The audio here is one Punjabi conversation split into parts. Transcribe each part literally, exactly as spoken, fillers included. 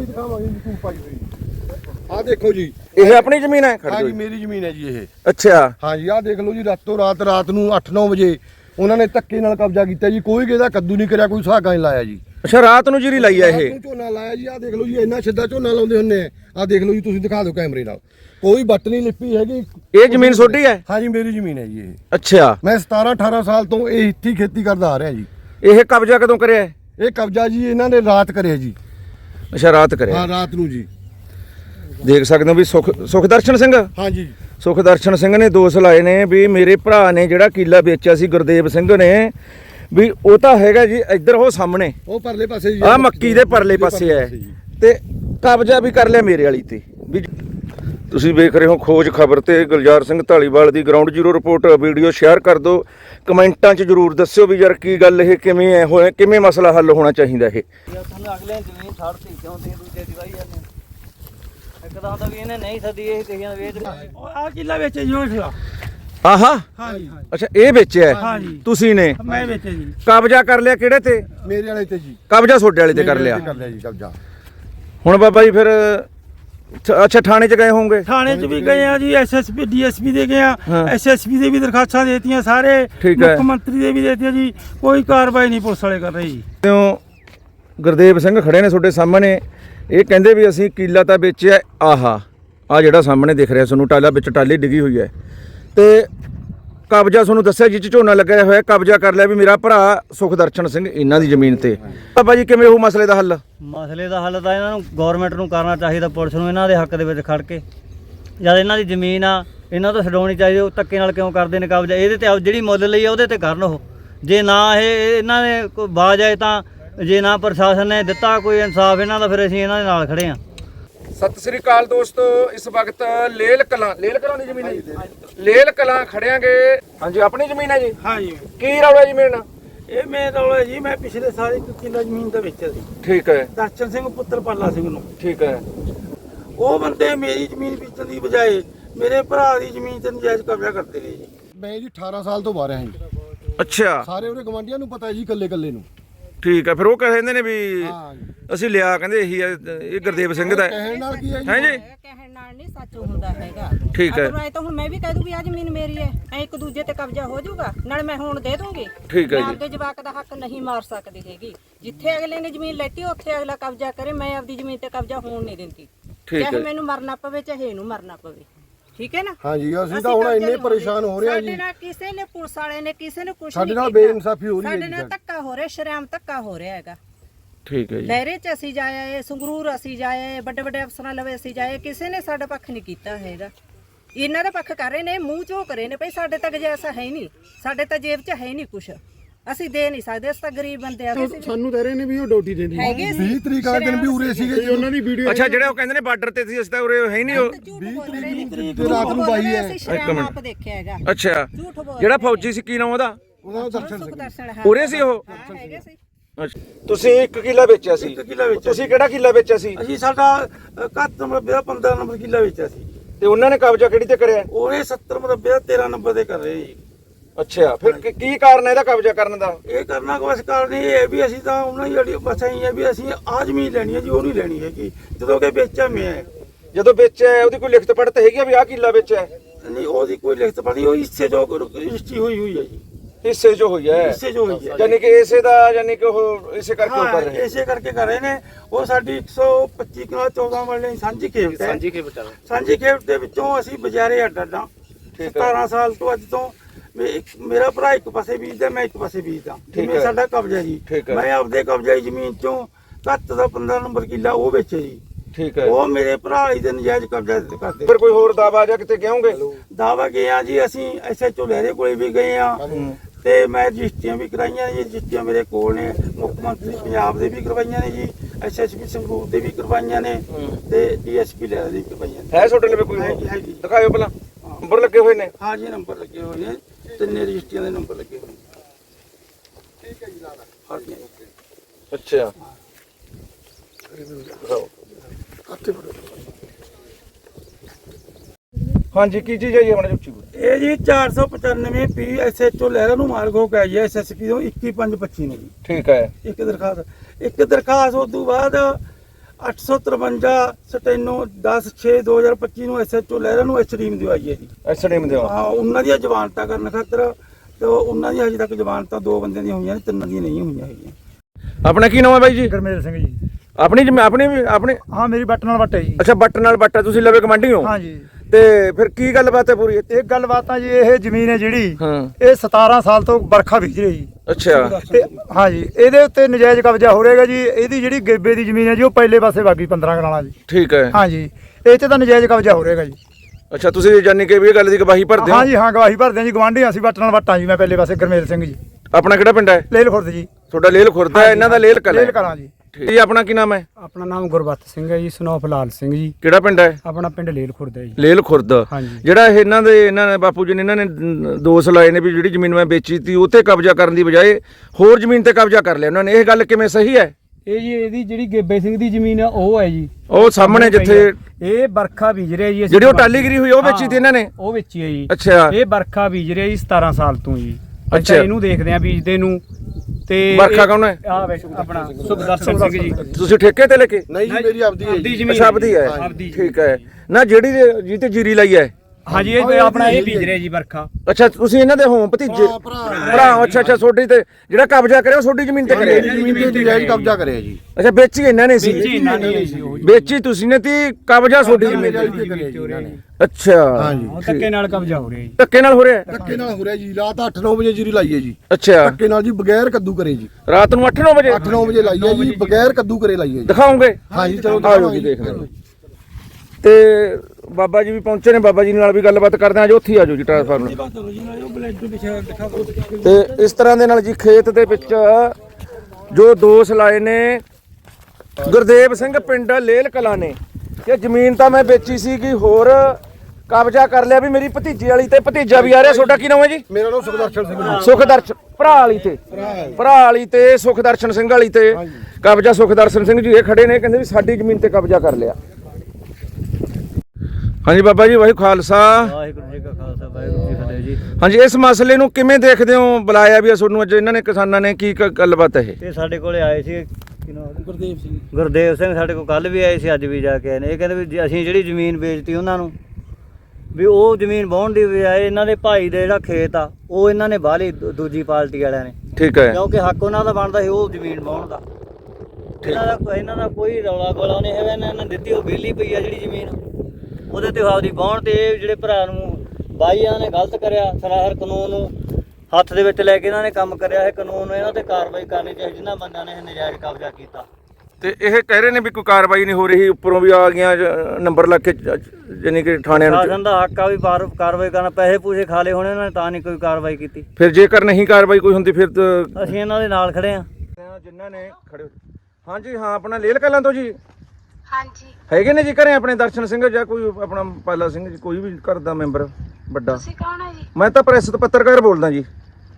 ਦਿਖਾਵਾਂਗੇ ਜੀ ਤੂੰ ਪਾਈ ਹੋਈ। ਆਹ ਦੇਖੋ ਜੀ, ਇਹ ਆਪਣੀ ਜ਼ਮੀਨ ਹੈ? ਹਾਂ ਜੀ ਮੇਰੀ ਜ਼ਮੀਨ ਹੈ ਜੀ ਇਹ। ਅੱਛਾ ਹਾਂ ਜੀ, ਆਹ ਦੇਖ ਲਓ ਜੀ, ਰਾਤੋਂ ਰਾਤ ਰਾਤ ਨੂੰ ਅੱਠ ਨੌ ਵਜੇ ਉਹਨਾਂ ਨੇ ਧੱਕੇ ਨਾਲ ਕਬਜ਼ਾ ਕੀਤਾ ਜੀ। ਕੋਈ ਕਿਹਦਾ ਕੱਦੂ ਨਹੀਂ ਕਰਿਆ, ਕੋਈ ਸੁਹਾਗਾ ਨਹੀਂ ਲਾਇਆ ਜੀ। ਅੱਛਾ, ਰਾਤ ਨੂੰ ਜੀਰੀ ਲਾਈ ਆ ਇਹ? ਝੋਨਾ ਲਾਇਆ ਜੀ। ਆਹ ਦੇਖ ਲਓ ਜੀ, ਇੰਨਾ ਸਿੱਧਾ ਝੋਨਾ ਲਾਉਂਦੇ ਹੁੰਦੇ ਆ। ਆਹ ਦੇਖ ਲਓ ਜੀ, ਤੁਸੀਂ ਦਿਖਾ ਦਿਓ ਕੈਮਰੇ ਨਾਲ, ਕੋਈ ਬੱਟ ਨਹੀਂ ਲਿਪੀ ਹੈਗੀ। ਇਹ ਜ਼ਮੀਨ ਤੁਹਾਡੀ ਹੈ? ਹਾਂ ਜੀ ਮੇਰੀ ਜ਼ਮੀਨ ਹੈ ਜੀ ਇਹ। ਅੱਛਾ, ਮੈਂ ਸਤਾਰਾਂ ਅਠਾਰਾਂ ਸਾਲ ਤੋਂ ਇਹ ਇੱਥੇ ਖੇਤੀ ਕਰਦਾ ਆ ਰਿਹਾ ਜੀ। ਇਹ ਕਬਜ਼ਾ ਕਦੋਂ ਕਰਿਆ? ਇਹ ਕਬਜ਼ਾ ਜੀ ਇਹਨਾਂ ਨੇ ਰਾਤ ਕਰਿਆ ਜੀ। ਅੱਛਾ, ਰਾਤ ਕਰਿਆ? ਹਾਂ ਰਾਤ ਨੂੰ ਜੀ। ਦੇਖ ਸਕਦੇ ਹੋ ਵੀ ਸੁਖ ਸੁਖਦਰਸ਼ਨ ਸਿੰਘ, ਹਾਂ ਜੀ ਸੁਖਦਰਸ਼ਨ ਸਿੰਘ ਨੇ ਦੋਸ਼ ਲਾਏ ਨੇ ਵੀ ਮੇਰੇ ਭਰਾ ਨੇ ਜਿਹੜਾ ਕਿੱਲਾ ਵੇਚਿਆ ਸੀ ਗੁਰਦੇਵ ਸਿੰਘ ਨੇ, ਵੀ ਉਹ ਤਾਂ ਹੈਗਾ ਜੀ ਇੱਧਰ ਉਹ ਸਾਹਮਣੇ, ਉਹ ਪਰਲੇ ਪਾਸੇ ਜੀ, ਆ ਮੱਕੀ ਦੇ ਪਰਲੇ ਪਾਸੇ ਹੈ, ਤੇ ਕਬਜ਼ਾ ਵੀ ਕਰ ਲਿਆ ਮੇਰੇ ਵਾਲੀ ਤੇ ਵੀ। ਤੁਸੀਂ ਵੇਖ ਰਹੇ ਹੋ ਖੋਜ ਖਬਰ ਤੇ ਗੁਲਜ਼ਾਰ ਸਿੰਘ ਢਾਲੀਵਾਲ ਦੀ ground zero report. Video share ਕਰ ਦਿਓ, ਕਮੈਂਟਾਂ 'ਚ ਜ਼ਰੂਰ ਦੱਸਿਓ ਵੀ ਯਾਰ ਕੀ ਗੱਲ, ਇਹ ਕਿਵੇਂ ਹੈ ਹੋਇਆ, ਕਿਵੇਂ ਮਸਲਾ ਹੱਲ ਹੋਣਾ ਚਾਹੀਦਾ ਇਹ। ਤੁਹਾਨੂੰ ਅਗਲੇ ਜ਼ਮੀਨ ਛੱਡਤੀ ਕਿਉਂ ਤੇ ਦੂਜੇ ਦੀ ਵਾਈ ਜਾਂਦੇ ਇੱਕਦਮ ਤਾਂ ਵੀ ਇਹਨੇ ਨਹੀਂ ਸਦੀ, ਇਹ ਕਹੀਆਂ ਵੇਚ ਆ ਕਿੱਲਾ ਵੇਚੇ ਜੀ ਉਹ। ਆਹਾ, ਹਾਂਜੀ ਹਾਂਜੀ ਅੱਛਾ ਇਹ ਵੇਚਿਆ ਹਾਂਜੀ ਤੁਸੀਂ ਨੇ? ਮੈਂ ਵੇਚਿਆ ਜੀ। ਕਬਜ਼ਾ ਕਰ ਲਿਆ ਕਿਹੜੇ ਤੇ? ਮੇਰੇ ਵਾਲੇ ਤੇ ਜੀ। ਕਬਜ਼ਾ ਛੋਟੇ ਵਾਲੇ ਤੇ ਕਰ ਲਿਆ? ਕਰ ਲਿਆ ਜੀ ਕਬਜ਼ਾ। ਹੁਣ ਬਾਬਾ ਜੀ ਫਿਰ ਅੱਛਾ ਥਾਣੇ 'ਚ ਗਏ ਹੋਵੋਗੇ? ਥਾਣੇ 'ਚ ਵੀ ਗਏ ਆ ਜੀ, ਐਸਐਸਪੀ ਡੀਐਸਪੀ ਦੇ ਗਏ ਆ, ਐਸਐਸਪੀ ਦੇ ਵੀ ਦਰਖਾਸਤਾਂ ਦੇਤੀਆਂ, ਸਾਰੇ ਮੁੱਖ ਮੰਤਰੀ ਦੇ ਵੀ ਦੇਤੀਆਂ ਜੀ। ਕੋਈ ਕਾਰਵਾਈ ਨਹੀਂ ਪੁਲਿਸ ਵਾਲੇ ਕਰ ਰਹੇ ਜੀ। ਕਿਉਂ ਗੁਰਦੇਵ ਸਿੰਘ ਖੜੇ ਨੇ ਤੁਹਾਡੇ ਸਾਹਮਣੇ, ਇਹ ਕਹਿੰਦੇ ਵੀ ਅਸੀਂ ਕਿੱਲਾ ਤਾਂ ਵੇਚਿਆ। ਆਹਾ, ਆ ਜਿਹੜਾ ਸਾਹਮਣੇ ਦਿਖ ਰਿਹਾ ਤੁਹਾਨੂੰ ਟਾਲਾ, ਵਿੱਚ ਟਾਲੀ ਡਿੱਗੀ ਹੋਈ ਹੈ, ਤੇ ਕਬਜ਼ਾ ਤੁਹਾਨੂੰ ਦੱਸਿਆ ਜਿਹ 'ਚ ਝੋਨਾ ਲੱਗਿਆ ਹੋਇਆ, ਕਬਜ਼ਾ ਕਰ ਲਿਆ ਵੀ ਮੇਰਾ ਭਰਾ ਸੁਖਦਰਸ਼ਨ ਸਿੰਘ ਇਹਨਾਂ ਦੀ ਜ਼ਮੀਨ ਤੇ। ਬਾਬਾ ਜੀ ਕਿਵੇਂ ਉਹ ਮਸਲੇ ਦਾ ਹੱਲ? ਮਸਲੇ ਦਾ ਹੱਲ ਤਾਂ ਇਹਨਾਂ ਨੂੰ ਗਵਰਨਮੈਂਟ ਨੂੰ ਕਰਨਾ ਚਾਹੀਦਾ, ਪੁਲਿਸ ਨੂੰ ਇਹਨਾਂ ਦੇ ਹੱਕ ਦੇ ਵਿੱਚ ਖੜ ਕੇ। ਜਦ ਇਹਨਾਂ ਦੀ ਜ਼ਮੀਨ ਆ, ਇਹਨਾਂ ਤੋਂ ਛਡਾਉਣੀ ਚਾਹੀਦੀ। ਉਹ ਧੱਕੇ ਨਾਲ ਕਿਉਂ ਕਰਦੇ ਨੇ ਕਬਜ਼ਾ? ਇਹਦੇ ਤੇ ਜਿਹੜੀ ਮੁੱਲ ਲਈ ਆ ਉਹਦੇ ਤੇ ਕਰਨ ਉਹ। ਜੇ ਨਾ ਇਹ ਇਹਨਾਂ ਨੇ ਕੋਈ ਬਾਜ ਆਏ ਤਾਂ, ਜੇ ਨਾ ਪ੍ਰਸ਼ਾਸਨ ਨੇ ਦਿੱਤਾ ਕੋਈ ਇਨਸਾਫ ਇਹਨਾਂ ਦਾ, ਫਿਰ ਅਸੀਂ ਇਹਨਾਂ ਦੇ ਨਾਲ ਖੜੇ ਹਾਂ। ਸਤਿ ਸ੍ਰੀ ਅਕਾਲ ਦੋਸਤੋ, ਇਸ ਵਕਤ ਲੇਲ ਕਲਾਂ, ਲੇਲ ਕਲਾਂ ਦੀ ਜ਼ਮੀਨ ਹੈ ਜੀ, ਲੇਲ ਕਲਾਂ ਖੜਿਆਂਗੇ। ਹਾਂਜੀ ਆਪਣੀ ਜ਼ਮੀਨ ਹੈ ਜੀ? ਹਾਂਜੀ। ਕੀ ਰੌਲਾ ਜੀ ਮੇਨ? ਇਹ ਮੇਰਾ ਰੌਲਾ ਜੀ, ਮੈਂ ਪਿਛਲੇ ਸਾਲ ਇੱਕ ਕਿੱਲਾ ਜ਼ਮੀਨ ਦਾ ਵੇਚਿਆ ਸੀ। ਠੀਕ ਹੈ। ਦਰਸ਼ਨ ਸਿੰਘ ਪੁੱਤਰ ਪਾਲਾ ਸਿੰਘ ਨੂੰ। ਠੀਕ ਹੈ। ਉਹ ਬੰਦੇ ਮੇਰੀ ਜ਼ਮੀਨ ਵੇਚਣ ਦੀ ਬਜਾਏ ਮੇਰੇ ਭਰਾ ਦੀ ਜ਼ਮੀਨ ਤੇ ਨਜਾਇਜ਼ ਕਬਜ਼ਾ ਕਰਦੇ ਨੇ ਜੀ। ਮੈਂ ਜੀ ਅਠਾਰਾਂ ਸਾਲ ਤੋਂ ਬਾਹਰ ਹਾਂ ਜੀ। ਅੱਛਾ, ਸਾਰੇ ਉਹਦੇ ਗਵਾਂਢੀਆਂ ਨੂੰ ਪਤਾ ਜੀ, ਕੱਲੇ ਕੱਲੇ ਨੂੰ। ਠੀਕ ਹੈ। ਫਿਰ ਉਹ ਕਹਿੰਦੇ ਨੇ ਵੀ ਹਾਂ ਜੀ, ਅਸੀਂ ਲਿਆ, ਕਹਿੰਦੇ ਇਹੀ ਹੈ, ਇਹ ਗੁਰਦੇਵ ਸਿੰਘ ਦਾ ਹੈ। ਕਹਿਣ ਨਾਲ ਕੀ ਹੈ ਜੀ? ਹੈ ਜੀ, ਕਹਿਣ ਨਾਲ ਨਹੀਂ ਸੱਚ ਹੁੰਦਾ ਹੈਗਾ। ਠੀਕ ਹੈ। ਅਦਰਵਾਇਜ਼ ਤਾਂ ਹੁਣ ਮੈਂ ਵੀ ਕਹਿ ਦੂੰ ਵੀ ਆ ਜ਼ਮੀਨ ਮੇਰੀ ਹੈ, ਐ ਇੱਕ ਦੂਜੇ ਤੇ ਕਬਜ਼ਾ ਹੋ ਜਾਊਗਾ, ਨਾਲ ਮੈਂ ਹੁਣ ਦੇ ਦੂੰਗੀ। ਠੀਕ ਹੈ ਮੈਂ ਜੀ। ਆਪਦੇ ਜਵਾਕ ਦਾ ਹੱਕ ਨਹੀਂ ਮਾਰ ਸਕਦੀ ਹੈਗੀ। ਜਿੱਥੇ ਅਗਲੇ ਨੇ ਜ਼ਮੀਨ ਲੈਤੀ ਉੱਥੇ ਅਗਲਾ ਕਬਜ਼ਾ ਕਰੇ, ਮੈਂ ਆਪਦੀ ਜ਼ਮੀਨ ਤੇ ਕਬਜ਼ਾ ਹੋਣ ਨਹੀਂ ਦਿੰਦੀ। ਠੀਕ ਚਾਹੇ ਹੈ। ਮੈਨੂੰ ਮਰਨਾ ਪਵੇ, ਚਾਹੇ ਇਹਨੂੰ ਮਰਨਾ ਪਵੇ। ਠੀਕ ਹੈ ਨਾ? ਹਾਂ ਜੀ, ਅਸੀਂ ਤਾਂ ਹੁਣ ਇੰਨੇ ਪਰੇਸ਼ਾਨ ਹੋ ਰਹੇ ਹਾਂ ਜੀ। ਸਾਡੇ ਨਾਲ ਕਿਸੇ ਨੇ, ਪੁਲਿਸ ਵਾਲੇ ਨੇ ਕਿਸੇ ਨੇ ਕੁਝ ਸਾਡੇ ਨਾਲ ਬੇਇਨਸਾਫੀ ਹੋ ਰਹੀ ਹੈ ਸਾਡੇ ਜੀ। ਨਾਲ ਧੱਕਾ ਹੋ ਰਿਹਾ, ਸ਼ਰਮ ਧੱਕਾ ਹੋ ਰਿਹਾ ਹੈਗਾ। ਠੀਕ ਹੈ ਜੀ। ਲਹਿਰੇ ਚ ਅਸੀਂ ਜਾਏ, ਸੰਗਰੂਰ ਅਸੀਂ ਜਾਏ, ਵੱਡੇ ਵੱਡੇ ਅਫਸਰਾਂ ਲਵੇ ਅਸੀਂ ਜਾਏ, ਕਿਸੇ ਨੇ ਸਾਡਾ ਪੱਖ ਨਹੀਂ ਕੀਤਾ ਹੈਗਾ। ਇਹਨਾਂ ਦਾ ਪੱਖ ਕਰ ਰਹੇ ਨੇ, ਮੂੰਹ ਚੋ ਕਰੇ ਨੇ ਭਈ ਸਾਡੇ ਤੱਕ ਜੈਸਾ ਹੈ ਹੀ ਨਹੀਂ, ਸਾਡੇ ਤਾਂ ਜੇਬ 'ਚ ਹੈ ਹੀ ਨਹੀਂ ਕੁਛ, ਅਸੀਂ ਦੇ ਨਹੀਂ ਸਕਦੇ, ਅਸੀਂ ਤਾਂ ਗਰੀਬ ਬੰਦੇ ਆ। ਸਾਨੂੰ ਕਹਿ ਰਹੇ ਨੇ ਵੀ ਉਹ ਡਿਊਟੀ ਦਿੰਦੀ ਹੈਗੇ ਸੀ ਵੀਹ ਤਰੀਕ ਵਾਲੇ ਦਿਨ ਵੀ ਉਰੇ ਸੀਗੇ ਜੀ ਉਹਨਾਂ ਦੀ ਵੀਡੀਓ। ਅੱਛਾ, ਜਿਹੜੇ ਉਹ ਕਹਿੰਦੇ ਨੇ ਬਾਰਡਰ ਤੇ ਸੀ, ਅਸੀਂ ਤਾਂ ਉਰੇ ਹੈ ਹੀ ਨਹੀਂ। ਉਹ ਵੀਹ ਤਰੀਕ ਤੇ ਰਾਤ ਨੂੰ ਬਾਈ ਹੈ। ਇੱਕ ਮਿੰਟ, ਆਪ ਦੇਖਿਆ ਹੈਗਾ। ਅੱਛਾ, ਝੂਠ ਬੋਲ ਜਿਹੜਾ ਫੌਜੀ ਸੀ ਕੀ ਨਾਮ ਉਹਦਾ? ਉਹਦਾ ਦਰਸ਼ਨ ਸਿੰਘ। ਦਰਸ਼ਨ ਹਾਂ ਉਰੇ ਸੀ ਉਹ? ਹੈਗੇ ਸੀ। ਅੱਛਾ, ਤੁਸੀਂ ਇੱਕ ਕਿੱਲਾ ਵੇਚਿਆ ਸੀ? ਇੱਕ ਕਿੱਲਾ ਵੇਚਿਆ। ਤੁਸੀਂ ਕਿਹੜਾ ਕਿੱਲਾ ਵੇਚਿਆ ਸੀ? ਅਸੀਂ ਸਾਡਾ ਇਕਹੱਤਰ ਮੁਰੱਬੇ ਦਾ ਪੰਦਰਾਂ ਨੰਬਰ ਕਿੱਲਾ ਵੇਚਿਆ ਸੀ, ਤੇ ਉਹਨਾਂ ਨੇ ਕਬਜ਼ਾ ਕਿਹੜੀ ਤੇ ਕਰਿਆ? ਉਹਨੇ ਸੱਤਰ ਮੁਰੱਬੇ ਦਾ ਤੇਰਾਂ ਨੰਬਰ ਤੇ ਕਰ ਰਹੇ ਜੀ। ਅੱਛਾ, ਫਿਰ ਕੀ- ਕੀ ਕਾਰਨ ਹੈ ਇਹਦਾ ਕਬਜ਼ਾ ਕਰਨ ਦਾ? ਇਹ ਕਰਨਾ ਕੋਈ ਕਾਰਨ ਨਹੀਂ, ਇਹ ਵੀ ਅਸੀਂ ਤਾਂ ਉਹਨਾਂ ਦੀ ਜਿਹੜੀ ਬਸ ਹੀ ਹੈ ਵੀ ਅਸੀਂ ਆਹ ਜ਼ਮੀਨ ਲੈਣੀ ਹੈ ਜੀ, ਉਹ ਨਹੀਂ ਲੈਣੀ ਹੈਗੀ। ਜਦੋਂ ਕਿ ਵੇਚਿਆ ਮੈਂ, ਜਦੋਂ ਵੇਚਿਆ ਉਹਦੀ ਕੋਈ ਲਿਖਤ ਪੜ੍ਹਤ ਹੈਗੀ ਆ ਵੀ ਆਹ ਕਿੱਲਾ ਵੇਚਿਆ? ਨਹੀਂ ਉਹਦੀ ਕੋਈ ਲਿਖਤ ਪੜੀ, ਉਹ ਹਿੱਸੇ ਜੋ ਰਜਿਸਟਰੀ ਹੋਈ ਹੋਈ ਹੈ ਜੀ, ਹਿੱਸੇ ਜੋ ਹੋਈ ਹੈ, ਹਿੱਸੇ ਜੋ ਹੋਈ ਹੈ। ਯਾਨੀ ਕਿ ਇਸੇ ਦਾ, ਯਾਨੀ ਕਿ ਉਹ ਇਸੇ ਕਰਕੇ ਉਹ ਕਰ ਰਹੇ। ਇਸੇ ਕਰਕੇ ਕਰ ਰਹੇ ਨੇ। ਉਹ ਸਾਡੀ ਇੱਕ ਸੌ ਪੱਚੀ ਕਿਲੋ ਚੌਦਾਂ ਵਾਲੇ ਸਾਂਝੀ ਖੇਤ ਹੈ। ਸਾਂਝੀ ਖੇਤ ਸਾਂਝੀ ਖੇਤ ਦੇ ਵਿੱਚੋਂ ਅਸੀਂ ਬਜਾਰੇ ਅੱਡ ਅੱਡਾਂ ਸਤਾਰਾਂ ਸਾਲ ਤੋਂ ਅੱਜ ਤੋਂ ਮੇਰਾ ਭਰਾ ਇੱਕ ਪਾਸੇ ਬੀਜਦਾ, ਮੈਂ ਇੱਕ ਪਾਸੇ ਬੀਜਦਾ। ਜਿਵੇਂ ਸਾਡਾ ਕਬਜ਼ਾ ਜੀ, ਮੈਂ ਆਪਦੇ ਕਬਜ਼ੇ ਦੀ ਜ਼ਮੀਨ ਚੋਂ ਘੱਟ ਦਾ ਪੰਦਰਾਂ ਨੰਬਰ ਕਿੱਲਾ ਉਹ ਵੇਚੇ ਜੀ। ਠੀਕ ਹੈ। ਉਹ ਮੇਰੇ ਭਰਾ ਵਾਲੀ ਦੇ ਨਜਾਇਜ਼ ਕਬਜ਼ਾ ਕਰਦੇ। ਫਿਰ ਕੋਈ ਹੋਰ ਦਾਵਾ ਜਾਂ ਕਿਤੇ ਕਹੋਗੇ? ਦਾਵਾ ਗਏ ਆ ਜੀ, ਅਸੀਂ ਐਸਐਚਓ ਲਹਿਰੇ ਕੋਲੇ ਵੀ ਗਏ ਆ, ਤੇ ਮੈਂ ਰਜਿਸਟਰੀਆਂ ਵੀ ਕਰਾਈਆਂ ਨੇ ਜੀ। ਰਜਿਸਟਰੀਆਂ ਮੇਰੇ ਕੋਲ ਨੇ, ਮੁੱਖ ਮੰਤਰੀ ਪੰਜਾਬ ਦੇ ਵੀ ਕਰਵਾਈਆਂ ਨੇ ਜੀ, ਐਸਐਸਪੀ ਸੰਗਰੂਰ ਦੇ ਵੀ ਕਰਵਾਈਆਂ ਨੇ, ਤੇ ਡੀਐਸਪੀ ਲਹਿਰੇ ਦੇ ਵੀ ਕਰਵਾਈਆਂ ਨੇ। ਹੈ ਤੁਹਾਡੇ ਲਈ ਕੋਈ? ਹੈਗੀ। ਦਿਖਾਇਓ ਪਹਿਲਾਂ, ਨੰਬਰ ਲੱਗੇ ਹੋਏ ਨੇ? ਹਾਂ ਜੀ, ਨੰਬਰ ਲੱਗੇ ਹੋਏ ਨੇ, ਤਿੰਨੇ ਰਜਿਸਟਰੀਆਂ ਦੇ ਨੰਬਰ ਲੱਗੇ ਹੋਏ ਨੇ। ਠੀਕ ਹੈ ਜੀ, ਲਾਲਾ। ਹਾਂ ਜੀ। ਅੱਛਾ, ਹਾਂਜੀ ਕੀ ਚੀਜ਼ ਹੈ ਜੀ ਆਪਣੇ ਉੱਚੀ? ਇਹ ਜੀ ਚਾਰ ਸੌ ਪਚਾਨਵੇਂ ਪੀ ਐਸਐਚਓ ਲਹਿਰਾ ਨੂੰ ਮਾਰਗ ਹੋ ਕੇ ਆਈ ਹੈ ਐਸਐਸਪੀ ਤੋਂ ਇੱਕੀ ਪੰਜ ਪੱਚੀ ਨੂੰ ਜੀ। ਠੀਕ ਹੈ। ਇੱਕ ਦਰਖਾਸਤ ਇੱਕ ਦਰਖਾਸਤ ਉਸ ਤੋਂ ਬਾਅਦ ਅੱਠ ਸੌ ਤਰਵੰਜਾ ਸਟੈਨੋ ਦਸ ਛੇ ਦੋ ਹਜ਼ਾਰ ਪੱਚੀ ਨੂੰ ਐਸਐਚਓ ਲਹਿਰਾ ਨੂੰ ਐਸਡੀਐਮ ਦਿਵਾਈ ਹੈ ਜੀ। ਐਸਡੀਐਮ ਦੇ ਹਾਂ, ਉਹਨਾਂ ਦੀਆਂ ਜ਼ਮਾਨਤਾਂ ਕਰਨ ਖਾਤਰ, ਤੇ ਉਹਨਾਂ ਦੀ ਹਜੇ ਤੱਕ ਜ਼ਮਾਨਤਾਂ ਦੋ ਬੰਦਿਆਂ ਦੀਆਂ ਹੋਈਆਂ ਨੇ, ਤਿੰਨਾਂ ਦੀਆਂ ਨਹੀਂ ਹੋਈਆਂ ਹੈਗੀਆਂ। ਆਪਣਾ ਕੀ ਨਾਮ ਹੈ ਬਾਈ ਜੀ? ਗਰਮੇਲ ਸਿੰਘ ਜੀ। ਆਪਣੀ ਜਿਵੇਂ ਆਪਣੀ ਵੀ ਆਪਣੀ ਹਾਂ, ਮੇਰੀ ਬੱਟ ਨਾਲ ਵੱਟ ਹੈ ਜੀ। ਅੱਛਾ, ਬੱਟ ਨਾਲ ਬੱਟ ਹੈ, ਤੁਸੀਂ ਲਵੇ ਕਮਾਂਡੀ ਹੋ? ਹਾਂ ਜੀ। ਤੇ ਫਿਰ ਕੀ ਗੱਲਬਾਤ ਹੈ ਪੂਰੀ? ਇੱਕ ਗੱਲਬਾਤ ਤਾਂ ਜੀ, ਇਹ ਜ਼ਮੀਨ ਹੈ ਜਿਹੜੀ, ਹਾਂ, ਇਹ ਸਤਾਰਾਂ ਸਾਲ ਤੋਂ ਵਰਖਾ ਬੀਜ ਰਹੀ ਜੀ। ਅੱਛਾ, ਤੇ ਹਾਂ ਜੀ, ਇਹਦੇ ਉੱਤੇ ਨਜਾਇਜ਼ ਕਬਜ਼ਾ ਹੋ ਰਿਹਾਗਾ ਜੀ। ਇਹਦੀ ਜਿਹੜੀ ਗੇਬੇ ਦੀ ਜ਼ਮੀਨ ਹੈ ਜੀ, ਉਹ ਪਹਿਲੇ ਪਾਸੇ ਵਗ ਗਈ ਪੰਦਰਾਂ ਕਨਾਲਾਂ ਜੀ। ਠੀਕ ਹੈ। ਹਾਂ ਜੀ, ਇਹ 'ਚ ਤਾਂ ਨਜਾਇਜ਼ ਕਬਜ਼ਾ ਹੋ ਰਿਹਾਗਾ ਜੀ। ਅੱਛਾ, ਤੁਸੀਂ ਜਾਨੀ ਕਿ ਵੀ ਇਹ ਗੱਲ ਦੀ ਗਵਾਹੀ ਭਰਦੇ ਹੋ? ਹਾਂ ਜੀ, ਹਾਂ, ਗਵਾਹੀ ਭਰਦੇ ਹਾਂ ਜੀ। ਗਵਾਂਢੀ ਅਸੀਂ ਬੱਟ ਨਾਲ ਵੱਟਾਂ ਜੀ। ਮੈਂ ਪਹਿਲੇ ਪਾਸੇ ਗਰਮੇਲ ਸਿੰਘ ਜੀ। ਆਪਣਾ ਕਿਹੜਾ ਪਿੰਡ ਹੈ? ਲੇਲ ਖੁਰਦ ਜੀ। ਤੁਹਾਡਾ ਲੇਲ ਖੁਰਦ ਹੈ, ਇਹਨਾਂ ਦਾ ਲੇਲ ਕਲਾ? ਲੇਲ ਕਲਾਂ ਜੀ। ਠੀਕ। ਆਪਣਾ ਕੀ ਨਾਮ ਹੈ? ਆਪਣਾ ਨਾਮ ਗੁਰਬਖਸ਼ ਸਿੰਘ ਹੈ ਜੀ, ਸਨੋਫ ਲਾਲ ਸਿੰਘ ਜੀ। ਕਿਹੜਾ ਪਿੰਡ ਹੈ? ਆਪਣਾ ਪਿੰਡ ਲੇਲ ਖੁਰਦ ਹੈ ਜੀ। ਲੇਲ ਖੁਰਦ। ਹਾਂ ਜੀ। ਜਿਹੜਾ ਇਹ ਇਹਨਾਂ ਦੇ ਇਹਨਾਂ ਨੇ ਬਾਪੂ ਜੀ ਨੇ ਇਹਨਾਂ ਨੇ ਦੋਸ਼ ਲਾਏ ਨੇ ਵੀ ਜਿਹੜੀ ਜ਼ਮੀਨ ਮੈਂ ਵੇਚੀ ਤੀ ਉੱਤੇ ਕਬਜ਼ਾ ਕਰਨ ਦੀ ਬਜਾਏ ਹੋਰ ਜ਼ਮੀਨ ਤੇ ਕਬਜ਼ਾ ਕਰ ਲਿਆ ਉਹਨਾਂ ਨੇ, ਇਹ ਗੱਲ ਕਿਵੇਂ ਸਹੀ ਹੈ? ਇਹ ਜੀ, ਇਹਦੀ ਜਿਹੜੀ ਗੇਬੇ ਸਿੰਘ ਦੀ ਜ਼ਮੀਨ ਆ, ਉਹ ਹੈ ਜੀ। ਉਹ ਸਾਹਮਣੇ ਜਿੱਥੇ ਇਹ ਵਰਖਾ ਬੀਜ ਰਿਹਾ ਜੀ। ਜਿਹੜੀ ਉਹ ਟਾਲੀ ਗਿਰੀ ਹੋਈ ਉਹ ਵੇਚੀ ਤੀ ਇਹਨਾਂ ਨੇ? ਉਹ ਵੇਚੀ ਹੈ ਜੀ। ਅੱਛਾ। ਇਹ ਵਰਖਾ ਬੀਜ ਰਿਹਾ ਜੀ ਸਤਾਰਾਂ ਸਾਲ ਤੋਂ ਜੀ। ਅੱਛਾ। ਅੱਛਾ, ਇਹਨੂੰ ਦੇਖਦੇ ਆ ਬੀਜਦੇ ਨੂੰ। ਤੇ ਵਰਖਾ ਕੌਣ ਹੈ? ਆ ਵੇਖ ਆਪਣਾ ਸੁਖਦਰਸ਼ਨ ਸਿੰਘ ਜੀ। ਤੁਸੀਂ ਠੇਕੇ ਤੇ ਲੈ ਕੇ? ਨਹੀਂ ਜੀ, ਮੇਰੀ ਆਪਦੀ ਹੈ ਜੀ। ਅੱਛਾ, ਆਪਦੀ ਹੈ। ਠੀਕ ਹੈ ਨਾ। ਜਿਹੜੀ ਜੀ ਤੇ ਜੀਰੀ ਲਾਈ ਹੈ? ਹਾਂਜੀ, ਇਹ ਆਪਣਾ ਇਹ ਬੀਜ ਰਿਹਾ ਜੀ ਵਰਖਾ। ਅੱਛਾ, ਤੁਸੀਂ ਇਹਨਾਂ ਦੇ ਹੋ ਭਤੀਜੇ? ਭਰਾ। ਅੱਛਾ ਅੱਛਾ, ਛੋਟੀ ਤੇ ਜਿਹੜਾ ਕਬਜ਼ਾ ਕਰਿਆ ਉਹ ਛੋਟੀ ਜ਼ਮੀਨ ਤੇ ਕਰਿਆ? ਜ਼ਮੀਨ ਤੇ ਨਜਾਇਜ਼ ਕਬਜ਼ਾ ਕਰਿਆ ਜੀ। ਅੱਛਾ, ਵੇਚੀ ਇਹਨਾਂ ਨੇ ਸੀ? ਵੇਚੀ ਇਹਨਾਂ ਨੇ ਸੀ। ਉਹ ਵੇਚੀ ਤੁਸੀਂ ਨੇ ਤੀ, ਕਬਜ਼ਾ ਛੋਟੀ ਜ਼ਮੀਨ ਤੇ ਕਰਿਆ ਜੀ ਇਹਨਾਂ ਨੇ। ਅੱਛਾ। ਹਾਂਜੀ, ਧੱਕੇ ਨਾਲ ਕਬਜ਼ਾ ਹੋ ਰਿਹਾ ਜੀ। ਧੱਕੇ ਨਾਲ ਹੋ ਰਿਹਾ? ਧੱਕੇ ਨਾਲ ਹੋ ਰਿਹਾ ਜੀ। ਰਾਤ ਅੱਠ ਨੌ ਵਜੇ ਜੀਰੀ ਲਾਈ ਹੈ ਜੀ। ਅੱਛਾ, ਧੱਕੇ ਨਾਲ ਜੀ, ਬਗੈਰ ਕੱਦੂ ਕਰੇ ਜੀ। ਰਾਤ ਨੂੰ ਅੱਠ ਨੌ ਵਜੇ? ਅੱਠ ਨੌ ਵਜੇ ਲਾਈ ਹੈ ਜੀ, ਬਗੈਰ ਕੱਦੂ ਕਰੇ ਲਾਈ ਹੈ ਜੀ। ਦਿਖਾਓਗੇ? ਹਾਂਜੀ, ਚਲੋ ਆਜੋ ਜੀ, ਦੇਖਦੇ ਹਾਂ। ਤੇ ਬਾਬਾ ਜੀ ਵੀ ਪਹੁੰਚੇ ਨੇ, ਬਾਬਾ ਜੀ ਨਾਲ ਵੀ ਗੱਲਬਾਤ ਕਰਦੇ ਆ। ਜੋ ਉੱਥੇ ਆਜੋ ਜੀ ਟ੍ਰਾਂਸਫਾਰਮਰ। ਤੇ ਇਸ ਤਰ੍ਹਾਂ ਦੇ ਨਾਲ ਜੀ ਖੇਤ ਦੇ ਵਿੱਚ ਜੋ ਦੋਸ਼ ਲਾਏ ਨੇ ਗੁਰਦੇਵ ਸਿੰਘ ਪਿੰਡ ਲੇਲ ਕਲਾਂ ਨੇ ਕਿ ਜ਼ਮੀਨ ਤਾਂ ਮੈਂ ਵੇਚੀ ਸੀ ਕਿ ਹੋਰ ਕਬਜ਼ਾ ਕਰ ਲਿਆ ਵੀ ਮੇਰੀ ਭਤੀਜੀ ਵਾਲੀ ਤੇ ਭਤੀਜਾ ਵੀ ਆ ਰਿਹਾ। ਤੁਹਾਡਾ ਕੀ ਨਾਮ ਹੈ ਜੀ? ਮੇਰਾ ਨਾਮ ਸੁਖਦਰਸ਼ਨ ਸਿੰਘ ਜੀ। ਸੁਖਦਰਸ਼ਨ ਭਰਾ ਵਾਲੀ ਤੇ ਭਰਾ ਵਾਲੀ ਤੇ ਸੁਖਦਰਸ਼ਨ ਸਿੰਘ ਵਾਲੀ ਤੇ ਕਬਜ਼ਾ ਸੁਖਦਰਸ਼ਨ ਸਿੰਘ ਜੀ ਇਹ ਖੜੇ ਨੇ, ਕਹਿੰਦੇ ਵੀ ਸਾਡੀ ਜ਼ਮੀਨ ਤੇ ਕਬਜ਼ਾ ਕਰ ਲਿਆ। ਹਾਂਜੀ ਬਾਬਾ ਜੀ, ਵਾਹਿਗੁਰੂ ਖਾਲਸਾ ਵਾਹਿਗੁਰੂ ਜੀ ਕਾ ਖਾਲਸਾ, ਵਾਹਿਗੁਰੂ ਜੀ ਕੀ ਫਤਿਹ ਜੀ। ਹਾਂਜੀ, ਇਸ ਮਸਲੇ ਨੂੰ ਕਿਵੇਂ ਦੇਖਦੇ ਹੋ? ਬੁਲਾਇਆ ਵੀ ਆ ਤੁਹਾਨੂੰ ਅੱਜ ਇਹਨਾਂ ਨੇ, ਕਿਸਾਨਾਂ ਨੇ, ਕੀ ਕ- ਗੱਲਬਾਤ ਹੈ ਇਹ? ਇਹ ਸਾਡੇ ਕੋਲੇ ਆਏ ਸੀ, ਕੀ ਨਾਮ ਉਹਦਾ? ਗੁਰਦੇਵ ਸਿੰਘ। ਗੁਰਦੇਵ ਸਿੰਘ ਸਾਡੇ ਕੋਲ ਕੱਲ ਵੀ ਆਏ ਸੀ, ਅੱਜ ਵੀ ਜਾ ਕੇ ਆਏ ਨੇ। ਇਹ ਕਹਿੰਦੇ ਵੀ ਜੇ ਅਸੀਂ ਜਿਹੜੀ ਜ਼ਮੀਨ ਵੇਚਤੀ ਉਹਨਾਂ ਨੂੰ, ਵੀ ਉਹ ਜ਼ਮੀਨ ਵਾਹੁਣ ਦੀ ਬਜਾਏ ਇਹਨਾਂ ਦੇ ਭਾਈ ਦੇ ਜਿਹੜਾ ਖੇਤ ਆ ਉਹ ਇਹਨਾਂ ਨੇ ਵਾਹ ਲਈ ਦੂ- ਦੂਜੀ ਪਾਰਟੀ ਵਾਲਿਆਂ ਨੇ, ਠੀਕ ਹੈ। ਕਿਉਂਕਿ ਹੱਕ ਉਹਨਾਂ ਦਾ ਬਣਦਾ ਸੀ ਉਹ ਜ਼ਮੀਨ ਵਾਹੁਣ ਦਾ। ਇਹਨਾਂ ਦਾ ਇਹਨਾਂ ਦਾ ਕੋਈ ਰੌਲਾ ਗੋਲਾ ਨਹੀਂ ਹੈਗਾ। ਇਹਨਾਂ ਨੇ ਦਿੱਤੀ, ਉਹ ਵਿਹਲੀ ਪਈ ਆ ਜਿਹੜੀ ਜ਼ਮੀਨ, ਉਹਦੇ ਤੇ ਆਪਦੀ ਵਾਹੁਣ ਤੇ ਇਹ ਜਿਹੜੇ ਭਰਾ ਨੂੰ ਬਾਈਆਂ ਨੇ ਗਲਤ ਕਰਿਆ। ਸਰਾਹਰ ਕਾਨੂੰਨ ਨੂੰ ਹੱਥ ਦੇ ਵਿੱਚ ਲੈ ਕੇ ਇਹਨਾਂ ਨੇ ਕੰਮ ਕਰਿਆ। ਇਹ ਕਾਨੂੰਨ ਨੂੰ ਇਹਨਾਂ ਤੇ ਕਾਰਵਾਈ ਕਰਨੀ ਚਾਹੀਦੀ ਜਿਨ੍ਹਾਂ ਬੰਦਿਆਂ ਨੇ ਇਹ ਨਜਾਇਜ਼ ਕਬਜ਼ਾ ਕੀਤਾ। ਤੇ ਇਹ ਕਹਿ ਰਹੇ ਨੇ ਵੀ ਕੋਈ ਕਾਰਵਾਈ ਨਹੀਂ ਹੋ ਰਹੀ, ਉੱਪਰੋਂ ਵੀ ਆ ਗਈਆਂ ਜ- ਨੰਬਰ ਲੱਗ ਕੇ ਜ- ਯਾਨੀ ਕਿ ਥਾਣਿਆਂ ਨੂੰ। ਸ਼ਾਸਨ ਦਾ ਹੱਕ ਆ ਵੀ ਬਾਹਰ ਕਾਰਵਾਈ ਕਰਨਾ। ਪੈਸੇ ਪੂਸੇ ਖਾ ਲਏ ਹੋਣੇ ਉਹਨਾਂ ਨੇ, ਤਾਂ ਨਹੀਂ ਕੋਈ ਕਾਰਵਾਈ ਕੀਤੀ। ਫਿਰ ਜੇਕਰ ਨਹੀਂ ਕਾਰਵਾਈ ਕੋਈ ਹੁੰਦੀ ਫਿਰ ਤਾਂ ਅਸੀਂ ਇਹਨਾਂ ਦੇ ਨਾਲ ਖੜੇ ਆ। ਜਿਨ੍ਹਾਂ ਨੇ ਖੜੇ। ਹਾਂਜੀ ਹਾਂ, ਆਪਣਾ ਲੇਲ ਕਲਾਂ ਤੋਂ ਜੀ ਹਾਂਜੀ, ਹੈਗੇ ਨੇ ਜੀ ਘਰੇ ਆਪਣੇ ਦਰਸ਼ਨ ਸਿੰਘ ਜਾਂ ਕੋਈ ਆਪਣਾ ਪਾਲਾ ਸਿੰਘ ਜੀ, ਕੋਈ ਵੀ ਘਰ ਦਾ ਮੈਂਬਰ ਵੱਡਾ? ਤੁਸੀਂ ਕੌਣ ਹੈ ਜੀ? ਮੈਂ ਤਾਂ ਪ੍ਰੈਸ ਤੋਂ ਪੱਤਰਕਾਰ ਬੋਲਦਾ ਜੀ।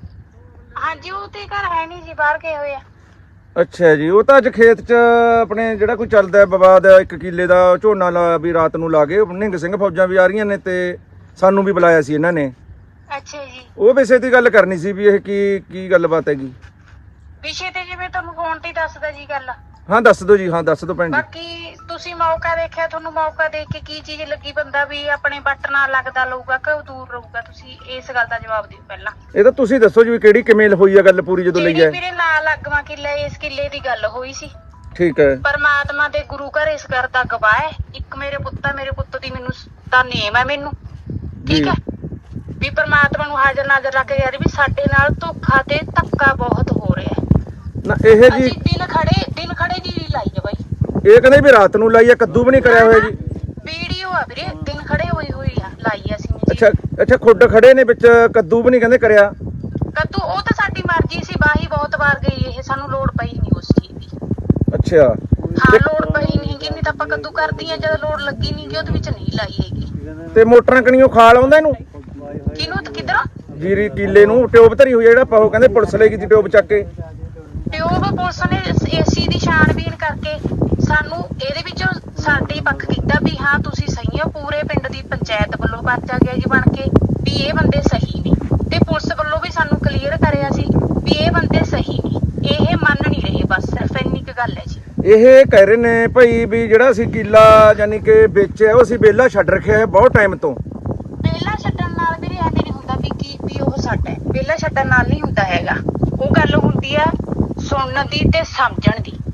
ਹਾਂਜੀ, ਉਹ ਤੇ ਘਰ ਹੈ ਨਹੀਂ ਜੀ, ਬਾਹਰ ਗਏ ਹੋਏ ਆ। ਅੱਛਾ ਜੀ, ਉਹ ਤਾਂ ਅੱਜ ਖੇਤ 'ਚ ਆਪਣੇ ਜਿਹੜਾ ਕੋਈ ਚੱਲਦਾ ਹੈ ਵਿਵਾਦ ਇੱਕ ਕਿੱਲੇ ਦਾ ਝੋਨਾ ਲਾ ਵੀ ਰਾਤ ਨੂੰ ਲਾ ਗਏ। ਨਿਹੰਗ ਸਿੰਘ ਫੌਜਾਂ ਵੀ ਆ ਰਹੀਆਂ ਨੇ ਤੇ ਸਾਨੂੰ ਵੀ ਬੁਲਾਇਆ ਸੀ ਇਹਨਾਂ ਨੇ। ਅੱਛਾ ਜੀ, ਉਹ ਵਿਸ਼ੇ ਦੀ ਗੱਲ ਕਰਨੀ ਸੀ ਵੀ ਇਹ ਕੀ ਕੀ ਗੱਲਬਾਤ ਹੈਗੀ। ਵਿਸ਼ੇ ਤੇ ਜਿਵੇਂ ਤੁਹਾਨੂੰ ਫੋਨ ਤੇ ਹੀ ਦੱਸਦਾ ਜੀ ਗੱਲ। ਹਾਂ ਦੱਸ ਦਿਓ ਜੀ, ਹਾਂ ਦੱਸ ਦਿਓ ਭੈਣ ਜੀ। ਬਾਕੀ ਤੁਸੀਂ ਮੌਕਾ ਦੇਖਿਆ, ਤੁਹਾਨੂੰ ਮੌਕਾ ਦੇਖ ਕੇ ਕੀ ਚੀਜ਼ ਲੱਗੀ ਬੰਦਾ ਵੀ ਆਪਣੇ ਬੱਟ ਨਾਲ ਲੱਗਦਾ ਲਊਗਾ ਕਿ ਉਹ ਦੂਰ ਰਹੂਗਾ? ਤੁਸੀਂ ਇਸ ਗੱਲ ਦਾ ਜਵਾਬ ਦਿਓ ਪਹਿਲਾਂ। ਇਹ ਤਾਂ ਤੁਸੀਂ ਦੱਸੋ ਜੀ ਵੀ ਕਿਹੜੀ ਕਿਵੇਂ ਹੋਈ ਆ ਗੱਲ ਪੂਰੀ ਜਦੋਂ ਲਈ ਜਿਹੜੀ ਹੈ? ਮੇਰੇ ਨਾਲ ਲੱਗਵਾ ਕਿੱਲੇ, ਇਸ ਕਿੱਲੇ ਦੀ ਗੱਲ ਹੋਈ ਸੀ। ਠੀਕ ਹੈ। ਪਰਮਾਤਮਾ ਦੇ ਗੁਰੂ ਘਰ ਇਸ ਘਰ ਦਾ ਗਵਾਹ ਹੈ। ਇੱਕ ਮੇਰੇ ਪੁੱਤ ਆ, ਮੇਰੇ ਪੁੱਤ ਦੀ ਮੈਨੂੰ ਤਾਂ ਨੇਮ ਹੈ ਮੈਨੂੰ, ਠੀਕ ਹੈ ਵੀ ਪਰਮਾਤਮਾ ਨੂੰ ਹਾਜ਼ਰ ਨਾਜ਼ਰ ਰੱਖ ਕੇ ਯਾਰ ਵੀ ਸਾਡੇ ਨਾਲ ਧੋਖਾ ਤੇ ਧੱਕਾ ਬਹੁਤ ਹੋ ਰਿਹਾ ਹੈ। ਨਾ ਇਹ ਜੀ ਅਸੀਂ ਦਿਨ ਖੜੇ ਦਿਨ ਖੜੇ ਜੀ ਲਾਈ ਆ ਬਾਈ। ਇਹ ਕਹਿੰਦੇ ਵੀ ਰਾਤ ਨੂੰ ਲਾਈ ਆ, ਕੱਦੂ ਵੀ ਨਹੀਂ ਕਰਿਆ ਹੋਇਆ ਜੀ। ਵੀਡੀਓ ਆ ਵੀਰੇ, ਦਿਨ ਖੜੇ ਹੋਈ ਹੋਈ ਆ ਲਾਈ ਆ ਅਸੀਂ ਜੀ। ਅੱਛਾ ਅੱਛਾ, ਖੁੱਡ ਖੜੇ ਨੇ ਵਿੱਚ, ਕੱਦੂ ਵੀ ਨਹੀਂ ਕਹਿੰਦੇ ਕਰਿਆ। ਕੱਦੂ ਉਹ ਤਾਂ ਸਾਡੀ ਮਰਜ਼ੀ ਸੀ, ਬਾਹੀ ਬਹੁਤ ਵਾਰ ਗਈ ਇਹ, ਸਾਨੂੰ ਲੋੜ ਪਈ ਨਹੀਂ ਉਸ ਚੀਜ਼ ਦੀ। ਅੱਛਾ ਹਾਂ, ਲੋੜ ਪਈ ਨਹੀਂ ਕਿ ਨਹੀਂ ਤਾਂ ਆਪਾਂ ਕੱਦੂ ਕਰਦੀਆਂ, ਜਦੋਂ ਲੋੜ ਲੱਗੀ ਨਹੀਂ ਕਿ ਉਹਦੇ ਵਿੱਚ ਨਹੀਂ ਲਾਈ ਹੈਗੀ। ਤੇ ਮੋਟਰਾਂ ਕਣੀਓ ਖਾਲ ਆਉਂਦਾ ਇਹਨੂੰ ਕਿਹਨੂੰ ਤੇ ਕਿਧਰੋਂ? ਜੀਰੀ ਕੀਲੇ ਨੂੰ ਟਿਊਬ ਧਰੀ ਹੋਈ ਆ, ਜਿਹੜਾ ਪਾਹੋ ਕਹਿੰਦੇ ਪੁਲਿਸ ਲੈ ਗਈ ਸੀ ਟਿਊਬ ਚੱਕ ਕੇ। ਟਿਊਬ ਪੁਲਿਸ ਨੇ ਏਸੀ ਦੀ ਛਾਣਬੀਨ ਕਰਕੇ ਸਾਨੂੰ ਇਹਦੇ ਵਿੱਚੋਂ ਸਾਡੇ ਪੱਖ ਕੀਤਾ ਵੀ ਹਾਂ ਤੁਸੀਂ ਸਹੀ ਹੋ। ਪੂਰੇ ਪਿੰਡ ਦੀ ਪੰਚਾਇਤ ਵੱਲੋਂ ਪਰਚਾ ਗਿਆ ਜੀ ਬਣ ਕੇ ਵੀ ਇਹ ਬੰਦੇ ਸਹੀ ਨੇ, ਤੇ ਪੁਲਿਸ ਵੱਲੋਂ ਵੀ ਸਾਨੂੰ ਕਲੀਅਰ ਕਰਿਆ ਸੀ ਵੀ ਇਹ ਬੰਦੇ ਸਹੀ ਨੇ। ਇਹ ਮੰਨ ਨਹੀਂ ਰਹੇ, ਬਸ ਸਿਰਫ ਇੰਨੀ ਕੁ ਗੱਲ ਹੈ ਜੀ। ਇਹ ਕਹਿ ਰਹੇ ਨੇ ਭਾਈ ਵੀ ਜਿਹੜਾ ਅਸੀਂ ਕਿੱਲਾ ਯਾਨੀ ਕਿ ਵੇਚਿਆ ਉਹ ਅਸੀਂ ਵਿਹਲਾ ਛੱਡ ਰੱਖਿਆ ਹੈ ਬਹੁਤ ਟਾਈਮ ਤੋਂ। ਵਿਹਲਾ ਛੱਡਣ ਨਾਲ ਵੀਰੇ ਐਵੇਂ ਨਹੀਂ ਹੁੰਦਾ ਵੀ ਕੀ ਵੀ ਉਹ ਸਾਡਾ ਹੈ। ਵਿਹਲਾ ਛੱਡਣ ਨਾਲ ਨਹੀਂ ਹੁੰਦਾ ਹੈਗਾ, ਉਹ ਗੱਲ ਹੁੰਦੀ ਆ ਸੁਣਨ ਦੀ ਤੇ ਸਮਝਣ ਦੀ।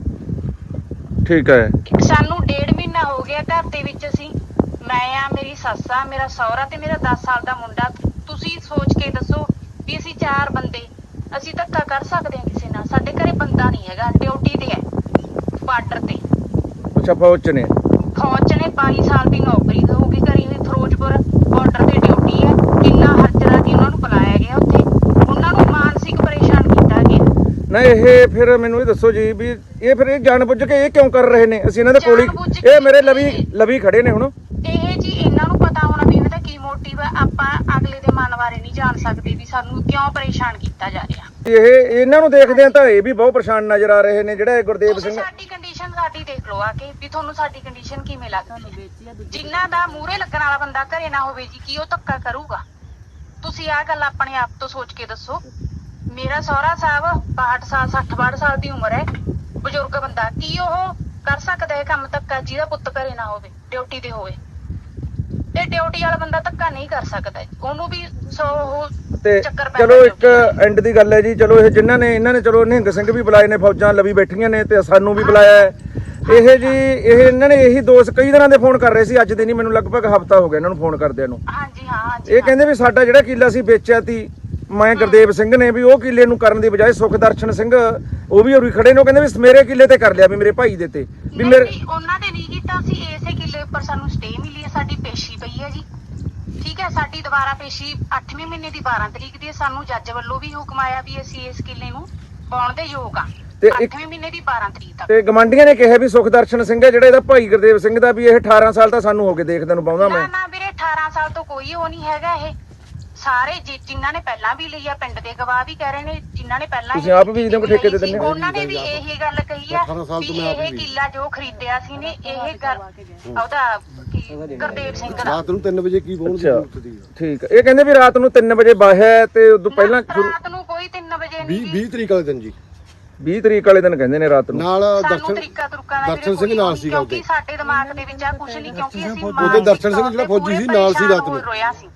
ਠੀਕ ਹੈ। ਸਾਨੂੰ ਡੇਢ ਮਹੀਨਾ ਹੋ ਗਿਆ ਘਰ ਦੇ ਵਿੱਚ, ਅਸੀਂ ਮੈਂ ਆ ਮੇਰੀ ਸੱਸ ਆ ਮੇਰਾ ਸਹੁਰਾ ਤੇ ਮੇਰਾ ਦਸ ਸਾਲ ਦਾ ਮੁੰਡਾ। ਤੁਸੀਂ ਸੋਚ ਕੇ ਦੱਸੋ ਵੀ ਅਸੀਂ ਚਾਰ ਬੰਦੇ ਅਸੀਂ ਧੱਕਾ ਕਰ ਸਕਦੇ ਹਾਂ ਕਿਸੇ ਨਾਲ? ਸਾਡੇ ਘਰੇ ਬੰਦਾ ਨਹੀਂ ਹੈਗਾ, ਡਿਊਟੀ ਤੇ ਹੈ ਬਾਰਡਰ ਤੇ। ਅੱਛਾ ਫੌਜ ਚ ਨੇ? ਫੌਜ ਚ ਨੇ, ਬਾਈ ਸਾਲ ਦੀ ਨੌਕਰੀ ਹੋਊਗੀ ਕਰੀ ਹੋਈ, ਫਿਰੋਜ਼ਪੁਰ ਬਾਰਡਰ ਤੇ ਡਿਊਟੀ ਹੈ। ਕਿੰਨਾ ਹਰਜਰਾ ਦੀ ਉਹਨਾਂ ਨੂੰ ਬੁਲਾਇਆ ਗਿਆ ਉੱਥੇ, ਉਹਨਾਂ ਨੂੰ ਮਾਨਸਿਕ ਪਰੇਸ਼ਾਨ ਕੀਤਾ ਗਿਆ। ਨਾ ਇਹ ਫਿਰ ਮੈਨੂੰ ਇਹ ਦੱਸੋ ਜੀ ਵੀ ਇਹ ਫਿਰ ਇਹ ਜਾਣਬੁੱਝ ਕੇ ਇਹ ਕਿਉਂ ਕਰ ਰਹੇ ਨੇ? ਅਸੀਂ ਇਹਨਾਂ ਦੇ ਕੋਲ ਜਾਣਬੁੱਝ ਹੀ ਕੇ ਇਹ ਮੇਰੇ ਲਵੀ ਲਵੀ ਖੜੇ ਨੇ ਹੁਣ। ਇਹ ਜੀ ਇਹਨਾਂ ਨੂੰ ਪਤਾ ਹੋਣਾ ਵੀ ਇਹਨਾਂ ਦਾ ਕੀ ਮੋਟਿਵ ਹੈ। ਆਪਾਂ ਅਗਲੇ ਦੇ ਮਨ ਬਾਰੇ ਨਹੀਂ ਜਾਣ ਸਕਦੇ ਵੀ ਸਾਨੂੰ ਕਿਉਂ ਪਰੇਸ਼ਾਨ ਕੀਤਾ ਜਾ ਰਿਹਾ। ਇਹ ਇਹਨਾਂ ਨੂੰ ਦੇਖਦੇ ਆ ਤਾਂ ਇਹ ਵੀ ਬਹੁਤ ਪਰੇਸ਼ਾਨ ਨਜ਼ਰ ਆ ਰਹੇ ਨੇ, ਜਿਹੜਾ ਇਹ ਗੁਰਦੇਵ ਤੁਸੀਂ ਸਿੰਘ। ਸਾਡੀ ਕੰਡੀਸ਼ਨ ਸਾਡੀ ਦੇਖ ਲਓ ਆ ਕੇ ਵੀ ਤੁਹਾਨੂੰ ਸਾਡੀ ਕੰਡੀਸ਼ਨ ਕਿਵੇਂ ਲੱਗਦੀ ਹੈ। ਜਿਨ੍ਹਾਂ ਦਾ ਮੂਹਰੇ ਲੱਗਣ ਵਾਲਾ ਬੰਦਾ ਘਰੇ ਨਾ ਹੋਵੇ ਜੀ, ਕੀ ਉਹ ਧੱਕਾ ਕਰੂਗਾ? ਤੁਸੀਂ ਆਹ ਗੱਲ ਆਪਣੇ ਆਪ ਤੋਂ ਸੋਚ ਕੇ ਦੱਸੋ। ਮੇਰਾ ਸਹੁਰਾ ਸਾਹਿਬ ਬਾਹਠ ਸਾਲ ਸੱਠ ਬਾਹਠ ਸਾਲ ਦੀ ਉਮਰ ਹੈ, ਬਜ਼ੁਰਗ ਬੰਦਾ, ਕੀ ਉਹ ਕਰ ਸਕਦਾ ਹੈ ਕੰਮ ਧੱਕਾ ਜਿਹਦਾ ਪੁੱਤ ਘਰੇ ਨਾ ਹੋਵੇ, ਡਿਊਟੀ ਤੇ ਹੋਵੇ? ਤੇ ਡਿਊਟੀ ਵਾਲਾ ਬੰਦਾ ਧੱਕਾ ਨਹੀਂ ਕਰ ਸਕਦਾ, ਉਹਨੂੰ ਵੀ ਸੋ ਉਹ ਤੇ ਚੱਕਰ ਪੈ ਚਲੋ ਇੱਕ ਐਂਡ ਦੀ ਗੱਲ ਹੈ ਜੀ। ਚਲੋ ਇਹ ਜਿਨ੍ਹਾਂ ਨੇ ਇਹਨਾਂ ਨੇ ਚਲੋ ਨਿਹੰਗ ਸਿੰਘ ਵੀ ਬੁਲਾਏ ਨੇ, ਫੌਜਾਂ ਲਵੀ ਬੈਠੀਆਂ ਨੇ ਤੇ ਸਾਨੂੰ ਵੀ ਬੁਲਾਇਆ ਹੈ। ਇਹ ਜੀ ਇਹ ਇਹਨਾਂ ਨੇ ਇਹੀ ਦੋਸ਼ ਕਈ ਦਿਨਾਂ ਦੇ ਫੋਨ ਕਰ ਰਹੇ ਸੀ, ਅੱਜ ਦੇ ਨਹੀਂ, ਮੈਨੂੰ ਲਗਭਗ ਹਫਤਾ ਹੋ ਗਿਆ ਇਹਨਾਂ ਨੂੰ ਫੋਨ ਕਰਦਿਆਂ ਨੂੰ। ਹਾਂਜੀ ਹਾਂ ਹਾਂਜੀ ਇਹ ਕਹਿੰਦੇ ਵੀ ਸਾਡਾ ਜਿਹੜਾ ਕਿੱਲਾ ਸੀ ਵੇਚਿਆ ਤੀ ਮੈਂ ਗੁਰਦੇਵ ਸਿੰਘ ਨੇ, ਵੀ ਉਹ ਕਿੱਲੇ ਨੂੰ ਕਰਨ ਦੀ ਬਜਾਏ ਸੁਖਦਰਸ਼ਨ ਸਿੰਘ ਉਹ ਵੀ ਹੋਰੀ ਖੜੇ ਨੇ, ਉਹ ਕਹਿੰਦੇ ਵੀ ਮੇਰੇ ਕਿੱਲੇ ਤੇ ਕਰ ਲਿਆ, ਵੀ ਮੇਰੇ ਭਾਈ ਦੇ ਤੇ ਵੀ ਨਹੀਂ, ਮੇਰੇ ਨਹੀਂ, ਉਹਨਾਂ ਦੇ ਨਹੀਂ ਕੀਤਾ ਸੀ। ਇਸੇ ਕਿੱਲੇ ਉੱਪਰ ਸਾਨੂੰ ਸਟੇ ਮਿਲੀ ਹੈ, ਸਾਡੀ ਪੇਸ਼ੀ ਪਈ ਹੈ ਜੀ। ਠੀਕ ਹੈ, ਸਾਡੀ ਦੁਬਾਰਾ ਪੇਸ਼ੀ ਅੱਠਵੇਂ ਮਹੀਨੇ ਦੀ ਬਾਰਾਂ ਤਰੀਕ ਦੀ ਹੈ। ਸਾਨੂੰ ਜੱਜ ਵੱਲੋਂ ਵੀ ਹੁਕਮ ਆਇਆ ਵੀ ਅਸੀਂ ਇਸ ਕਿੱਲੇ ਨੂੰ ਪਾਉਣ ਦੇ ਯੋਗ ਆ, ਤੇ ਇੱਕ- ਅੱਠਵੇਂ ਮਹੀਨੇ ਦੀ ਬਾਰਾਂ ਤਰੀਕ ਤੱਕ। ਤੇ ਗਵਾਂਢੀਆਂ ਨੇ ਕਿਹਾ ਵੀ ਸੁਖਦਰਸ਼ਨ ਸਿੰਘ ਹੈ ਜਿਹੜਾ ਇਹਦਾ ਭਾਈ ਗੁਰਦੇਵ ਸਿੰਘ ਦਾ, ਵੀ ਇਹ ਅਠਾਰਾਂ ਸਾਲ ਤਾਂ ਸਾਨੂੰ ਹੋ ਗਏ ਦੇਖਦੇ ਨੂੰ ਪਾਉਂਦਾ ਨਾ ਮੈਂ। ਨਾ ਵੀਰੇ ਅਠਾਰਾਂ ਸਾਲ ਤੋਂ ਕੋਈ ਉਹ ਨਹੀਂ ਹੈਗਾ। ਇਹ ਸਾਰੇ ਜਿ- ਜਿਨ੍ਹਾਂ ਨੇ ਪਹਿਲਾਂ ਵੀ ਲਈ ਆ, ਪਿੰਡ ਦੇ ਗਵਾਹ ਵੀ ਕਹਿ ਰਹੇ ਨੇ, ਜਿਨ੍ਹਾਂ ਨੇ ਪਹਿਲਾਂ ਤੁਸੀਂ ਆਪ ਵੀ ਇਹਦੇ ਕੋਲ ਠੇਕੇ ਤੇ ਦਿੰਦੇ ਹੋ? ਉਹਨਾਂ ਨੇ ਵੀ ਇਹੀ ਗੱਲ ਕਹੀ ਆ ਵੀ ਇਹ ਕਿੱਲਾ ਜੋ ਖਰੀਦਿਆ ਸੀ ਨੇ, ਇਹ ਗੱਲ ਉਹਦਾ ਕੀ ਗੁਰਦੇਵ ਸਿੰਘ ਦਾ। ਰਾਤ ਨੂੰ ਤਿੰਨ ਵਜੇ ਕੀ ਬੋਲ ਦੀ ਅੱਛਾ ਜ਼ਰੂਰਤ ਦੀ ਠੀਕ ਹੈ। ਇਹ ਕਹਿੰਦੇ ਵੀ ਰਾਤ ਨੂੰ ਤਿੰਨ ਵਜੇ ਬਾਹਿਆ ਤੇ ਉਦੋਂ ਪਹਿਲਾਂ ਸ਼ੁਰੂ- ਰਾਤ ਨੂੰ ਕੋਈ ਤਿੰਨ ਵਜੇ ਨਹੀਂ ਵੀਹ ਵੀਹ ਤਰੀਕ ਵਾਲੇ ਦਿਨ ਜੀ, ਵੀਹ ਤਰੀਕ ਵਾਲੇ ਦਿਨ ਕਹਿੰਦੇ ਨੇ ਰਾਤ ਨੂੰ। ਨਾਲ ਸਾਨੂੰ ਦਰਸ਼ਨ ਤਰੀਕਾ ਤੁਰਕਾ ਦਾ ਦਰਸ਼ਨ ਸਿੰਘ ਨਾਲ ਸੀਗਾ ਕਿਉਂਕਿ ਉਹਦੇ। ਸਾਡੇ ਦਿਮਾਗ ਦੇ ਵਿੱਚ ਆ ਕੁਝ ਨਹੀਂ, ਕਿਉਂਕਿ ਅਸੀਂ ਉਹਦੇ ਦਰਸ਼ਨ ਸਿੰਘ ਜਿਹੜਾ ਫੌਜੀ ਸੀ ਨਾਲ ਸੀ ਰਾਤ ਨੂੰ। ਰੋਇਆ ਸੀ,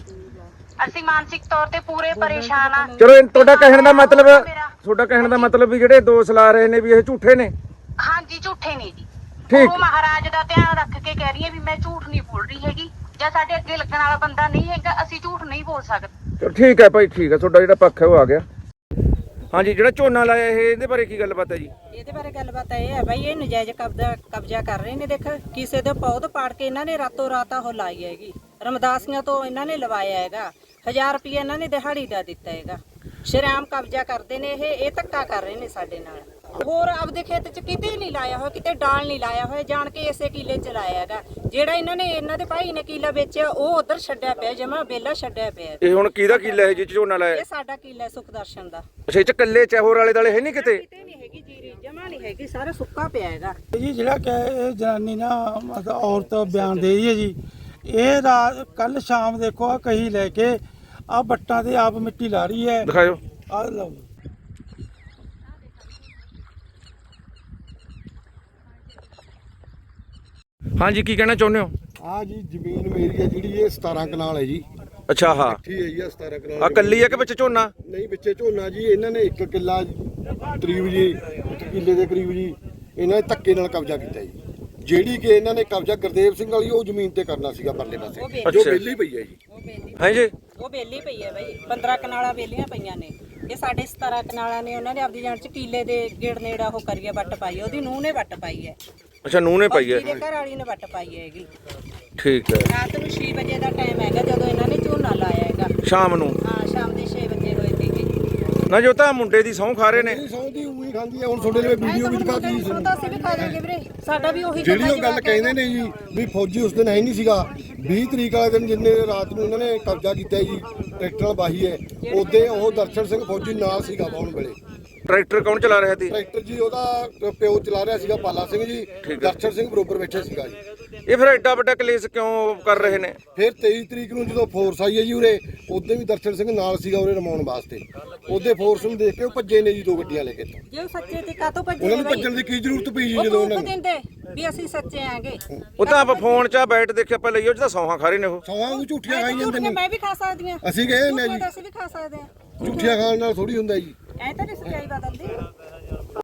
ਅਸੀਂ ਮਾਨਸਿਕ ਤੌਰ ਤੇ ਪੂਰੇ ਪਰੇਸ਼ਾਨ ਆ। ਚਲੋ ਇਹ ਤੁਹਾਡਾ ਕਹਿਣ ਦਾ ਮਤਲਬ ਤੁਹਾਡਾ ਕਹਿਣ ਦਾ ਮਤਲਬ ਵੀ ਜਿਹੜੇ ਦੋਸ਼ ਲਾ ਰਹੇ ਨੇ ਵੀ ਇਹ ਝੂਠੇ ਨੇ? ਹਾਂਜੀ ਝੂਠੇ ਨੇ ਜੀ। ਠੀਕ। ਉਹ ਮਹਾਰਾਜ ਦਾ ਧਿਆਨ ਰੱਖ ਕੇ ਕਹਿ ਰਹੀ ਹੈ ਵੀ ਮੈਂ ਝੂਠ ਨਹੀਂ ਬੋਲ ਰਹੀ ਹੈਗੀ, ਜਾਂ ਸਾਡੇ ਅੱਗੇ ਲੱਗਣ ਵਾਲਾ ਬੰਦਾ ਨਹੀਂ ਹੈਗਾ, ਅਸੀਂ ਝੂਠ ਨਹੀਂ ਬੋਲ ਸਕਦੇ। ਚਲੋ ਠੀਕ ਹੈ ਭਾਈ, ਠੀਕ ਹੈ, ਤੁਹਾਡਾ ਜਿਹੜਾ ਪੱਖ ਹੈ ਉਹ ਆ ਗਿਆ। ਹਾਂਜੀ, ਜਿਹੜਾ ਝੋਨਾ ਲਾਇਆ ਇਹ ਇਹਦੇ ਬਾਰੇ ਕੀ ਗੱਲਬਾਤ ਹੈ ਜੀ? ਇਹਦੇ ਬਾਰੇ ਗੱਲਬਾਤ ਇਹ ਹੈ ਬਾਈ, ਇਹ ਨਜਾਇਜ਼ ਕਬਜ਼ਾ ਕਬਜ਼ਾ ਕਰ ਰਹੇ ਨੇ। ਦੇਖ, ਕਿਸੇ ਦੇ ਪੌਦ ਪਾੜ ਕੇ ਇਹਨਾਂ ਨੇ ਰਾਤੋਂ ਰਾਤ ਉਹ ਲਾਈ ਹੈਗੀ, ਰਮਦਾਸੀਆਂ ਤੋਂ ਇਹਨਾਂ ਨੇ ਲਵਾਇਆ ਹੈਗਾ, ਹਜ਼ਾਰ ਰੁਪਏ ਇਹਨਾਂ ਨੇ ਦਿਹਾੜੀ ਦਾ ਦਿੱਤਾ ਹੈਗਾ। ਸ਼ਰੇਆਮ ਕਬਜ਼ਾ ਕਰਦੇ ਨੇ ਇਹ ਇਹ ਧੱਕਾ ਕਰ ਰਹੇ ਨੇ ਸਾਡੇ ਨਾਲ। ਹੋਰ ਆਪਦੇ ਖੇਤ 'ਚ ਕਿਤੇ ਨਹੀਂ ਲਾਇਆ ਹੋਇਆ, ਕਿਤੇ ਡਾਲ ਨਹੀਂ ਲਾਇਆ ਹੋਇਆ, ਜਾਣ ਕੇ ਇਸੇ ਕਿੱਲੇ 'ਚ ਲਾਇਆ ਹੈਗਾ। ਜਿਹੜਾ ਇਹਨਾਂ ਨੇ ਇਹਨਾਂ ਦੇ ਭਾਈ ਨੇ ਕਿੱਲਾ ਵੇਚਿਆ ਉਹ ਉਧਰ ਛੱਡਿਆ ਪਿਆ, ਜਮਾ ਬੇਲਾ ਛੱਡਿਆ ਪਿਆ। ਇਹ ਹੁਣ ਕਿਹਦਾ ਕਿੱਲਾ ਹੈ ਜੀ ਝੋਨਾ ਲਾਇਆ? ਇਹ ਸਾਡਾ ਕਿੱਲਾ ਹੈ, ਸੁਖਦਰਸ਼ਨ ਦਾ। ਅੱਛਾ, ਇਹ ਚ ਕੱਲੇ ਚਹੋਰ ਵਾਲੇ ਦਾਲੇ ਹੈ ਨਹੀਂ ਕਿਤੇ? ਕਿਤੇ ਨਹੀਂ ਹੈਗੀ ਜੀਰੀ, ਜਮਾ ਨਹੀਂ ਹੈਗੀ, ਸਾਰਾ ਸੁੱਕਾ ਪਿਆ ਹੈਗਾ। ਜੀ ਜਿਹੜਾ ਕਿ ਇਹ ਜਨਾਨੀ ਨਾ ਮਤਲਬ ਔਰਤ ਬਿਆਨ ਦੇ ਰਹੀ ਹੈ ਜੀ, ਇਹ ਰਾਤ ਕੱਲ ਸ਼ਾਮ ਦੇਖੋ ਆ ਕਹੀ ਲੈ ਕੇ ਆ ਬੱਟਾਂ ਤੇ ਆਪ ਮਿੱਟੀ ਲਾ ਰਹੀ ਹੈ। ਦਿਖਾਓ। ਆ ਲਓ ਹਾਂਜੀ, ਕੀ ਕਹਿਣਾ ਚਾਹੁੰਦੇ ਹੋ? ਆ ਜੀ ਜ਼ਮੀਨ ਮੇਰੀ ਹੈ ਜਿਹੜੀ, ਇਹ ਸਤਾਰਾਂ ਕਨਾਲ ਹੈ ਜੀ। ਅੱਛਾ, ਹਾਂ, ਠੀਕ ਹੈ ਜੀ, ਆ ਸਤਾਰਾਂ ਕਨਾਲ ਆ ਕੱਲੀ ਹੈ ਕਿ ਵਿੱਚ ਝੋਨਾ? ਨਹੀਂ, ਵਿੱਚੇ ਝੋਨਾ ਜੀ। ਇਹਨਾਂ ਨੇ ਇੱਕ ਕਿੱਲਾ ਕਰੀਬ ਜੀ, ਇੱਕ ਕਿੱਲੇ ਦੇ ਕਰੀਬ ਜੀ ਇਹਨਾਂ ਨੇ ਧੱਕੇ ਨਾਲ ਕਬਜ਼ਾ ਕੀਤਾ ਜੀ। ਜਿਹੜੀ ਕਿ ਇਹਨਾਂ ਨੇ ਕਬਜ਼ਾ ਗੁਰਦੇਵ ਸਿੰਘ ਵਾਲੀ ਉਹ ਜ਼ਮੀਨ ਤੇ ਕਰਨਾ ਸੀਗਾ ਪਰਲੇ ਪਾਸੇ, ਜੋ ਅੱਛਾ। ਵਿਹਲੀ ਪਈ ਹੈ ਜੀ। ਉਹ ਬੇਲੀ ਹਾਂਜੀ, ਉਹ ਬੇਲੀ ਪਈ ਹੈ ਬਾਈ, ਪੰਦਰਾਂ ਕਨਾਲਾਂ ਬੇਲੀਆਂ ਪਈਆਂ ਨੇ। ਇਹ ਸਾਡੇ ਸਤਾਰਾਂ ਕਨਾਲਾਂ ਨੇ, ਉਹਨਾਂ ਨੇ ਆਪਦੀ ਜਾਨ 'ਚ ਕੀਲੇ ਦੇ ਗੇੜ ਨੇੜਾ ਉਹ ਕਰੀਏ, ਵੱਟ ਪਾਈ, ਉਹਦੀ ਨੂੰਹ ਨੇ ਵੱਟ ਪਾਈ ਹੈ। ਅੱਛਾ, ਨੂੰਹ ਨੇ ਪਾਈ ਹੈ। ਇਹਦੇ ਘਰ ਵਾਲੀ ਨੇ ਵੱਟ ਪਾਈ ਹੈਗੀ। ਠੀਕ ਹੈ। ਰਾਤ ਨੂੰ ਛੇ ਵਜੇ ਦਾ ਟਾਈਮ ਹੈਗਾ ਜਦੋਂ ਇਹਨਾਂ ਨੇ ਝੋਨਾ ਲਾਇਆ ਹੈਗਾ। ਸ਼ਾਮ ਨੂੰ? ਹਾਂ, ਸ਼ਾਮ ਦੇ ਛੇ ਵਜੇ ਹੋਏ ਸੀਗੇ। ਨਾ ਜੋ ਤਾਂ ਮੁੰਡੇ ਦੀ ਸਹੁੰ ਖਾ ਰਹੇ ਨੇ। ਇਹ ਸੌਂ ਦੀ ਉਹੀ ਖਾਂਦੀ ਹੈ। ਹੁਣ ਤੁਹਾਡੇ ਲਈ ਵੀਡੀਓ ਵੀ ਦਿਖਾਤੀ ਜੀ ਸੁਣਦਾ ਸੀ ਵੀ ਖਾ ਜਾਗੇ ਵੀਰੇ, ਸਾਡਾ ਵੀ ਉਹੀ ਜਿਹੜੀ ਉਹ ਗੱਲ ਕਹਿੰਦੇ ਨੇ ਜੀ ਵੀ ਫੌਜੀ ਉਸ ਦਿਨ ਹੈ ਨਹੀਂ ਸੀਗਾ। ਵੀਹ ਤਰੀਕ ਵਾਲੇ ਦਿਨ ਜਿੰਨੇ ਰਾਤ ਨੂੰ ਇਹਨਾਂ ਨੇ ਕਬਜ਼ਾ ਕੀਤਾ ਜੀ, ਟਰੈਕਟਰ ਨਾਲ ਵਾਹੀ ਹੈ, ਉਹਦੇ ਉਹ ਦਰਸ਼ਨ ਸਿੰਘ ਫੌਜੀ ਨਾਲ ਸੀਗਾ ਬਾਉਣ ਵੇਲੇ। ਟਰੈਕਟਰ ਕੌਣ ਚਲਾ ਰਿਹਾ ਸੀ? ਟਰੈਕਟਰ ਜੀ ਉਹਦਾ ਪਿਓ ਚਲਾ ਰਿਹਾ ਸੀਗਾ ਪਾਲਾ ਸਿੰਘ ਜੀ, ਦਰਸ਼ਨ ਸਿੰਘ ਬਰੋਬਰ ਬੈਠੇ ਸੀਗਾ ਜੀ। ਇਹ ਫਿਰ ਐਡਾ ਵੱਡਾ ਕਲੇਸ਼ ਕਿਉਂ ਕਰ ਰਹੇ ਨੇ? ਫਿਰ ਤੇਈ ਤਰੀਕ ਨੂੰ ਜਦੋਂ ਫੋਰਸ ਆਈ ਹੈ ਜੀ ਉਰੇ, ਉਦੋਂ ਵੀ ਦਰਸ਼ਨ ਸਿੰਘ ਨਾਲ ਸੀਗਾ ਉਰੇ ਰਮਾਉਣ ਵਾਸਤੇ। ਉਹਦੇ ਫੋਰਸ ਨੂੰ ਦੇਖ ਕੇ ਉਹ ਭੱਜੇ ਨੇ ਜੀ ਦੋ ਗੱਡੀਆਂ ਲੈ ਕੇ। ਜੇ ਉਹ ਸੱਚੇ ਤੇ ਕਾਤੋਂ ਭੱਜੇ ਉਹਨਾਂ ਨੂੰ ਭੱਜਣ ਦੀ ਕੀ ਜ਼ਰੂਰਤ ਪਈ ਜੀ ਜਦੋਂ ਉਹਨਾਂ ਨੂੰ ਦਿੰਦੇ ਵੀ ਅਸੀਂ ਸੱਚੇ ਆਂਗੇ। ਉਹ ਤਾਂ ਆਪਾਂ ਫੋਨ 'ਚ ਬੈਠ ਦੇਖਿਆ ਆਪਾਂ ਲਈਓ ਜਿਹਦਾ ਸੌਹਾਂ ਖਾ ਰਹੇ ਨੇ ਉਹ। ਸੌਹਾਂ ਨੂੰ ਝੂਠੀਆਂ ਖਾਈ ਜਾਂਦੇ ਨੇ। ਮੈਂ ਵੀ ਖਾ ਸਕਦੀ ਹਾਂ, ਅਸੀਂ ਗਏ ਨੇ ਜੀ, ਅਸੀਂ ਵੀ ਖਾ ਸਕਦੇ ਹਾਂ। ਝੂਠੀਆਂ ਖਾਣ ਨਾਲ ਥੋੜੀ ਹੁੰਦਾ ਜੀ। ਐ ਤਾਂ ਨਹੀਂ ਸੱਚਾਈ ਬਦਲਦੀ।